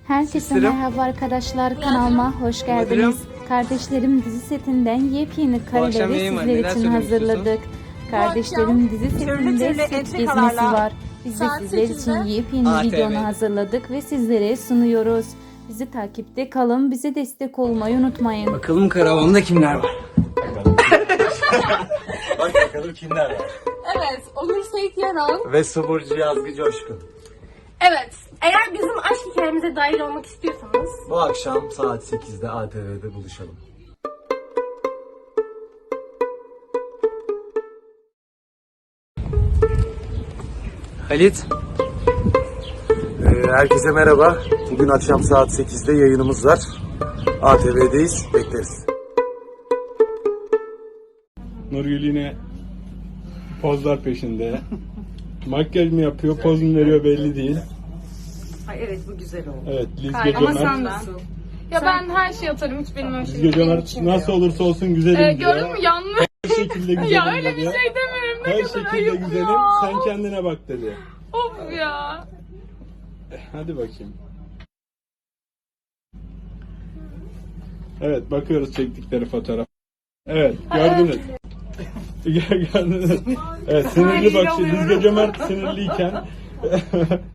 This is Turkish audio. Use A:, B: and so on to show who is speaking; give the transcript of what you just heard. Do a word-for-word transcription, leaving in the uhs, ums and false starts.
A: Herkese
B: Seslerim.
A: merhaba arkadaşlar, kanalıma hoş geldiniz. Kardeşlerim dizi setinden yepyeni
B: akşam
A: kareleri
B: yayın var,
A: sizler
B: neler
A: için
B: söylemek
A: hazırladık. Kardeşlerim dizi
C: türlü
A: setinde
C: türlü
A: set
C: entrikalarla
A: gezmesi var. Biz de
C: saat
A: sizler için
C: sekizde
A: yepyeni
B: A T V'de.
A: videonu hazırladık ve sizlere sunuyoruz. Bizi takipte kalın, bize destek olmayı unutmayın.
B: Bakalım karavanda kimler var?
D: Bak bakalım kimler var.
C: Evet, Onur Seyit Yaran.
D: Ve Suburcu Yazgı Coşkun.
C: Evet, eğer bizim aşk hikayemize dahil olmak istiyorsanız
D: Bu akşam saat sekizde A T V'de buluşalım.
B: Halit.
D: Ee, herkese merhaba. Bugün akşam saat sekizde yayınımız var. A T V'deyiz. Bekleriz.
E: Nurgül yine pozlar peşinde. Makyaj mı yapıyor, poz mu veriyor belli değil.
F: Ay evet bu güzel oldu.
E: Evet, Lizge
F: Ama sen
E: Cömert.
F: nasıl?
G: Ya ben her şeyi atarım, hiç benim öyle
E: Lizge
G: şeyim
E: Cömert
G: için
E: nasıl
G: yok.
E: olursa olsun güzelim
G: Ee,
E: diyor.
G: gördün mü yanlış?
E: Her şekilde güzelim
G: Ya öyle bir
E: dedi.
G: şey demiyorum, ne
E: Her
G: kadar
E: şekilde
G: ayıp
E: güzelim,
G: ya.
E: sen kendine bak dedi.
G: Of ya.
E: Hadi bakayım. Evet, bakıyoruz çektikleri fotoğraf. Evet, gördünüz. Gördünüz. Evet, sinirli bak, Lizge Cömert sinirliyken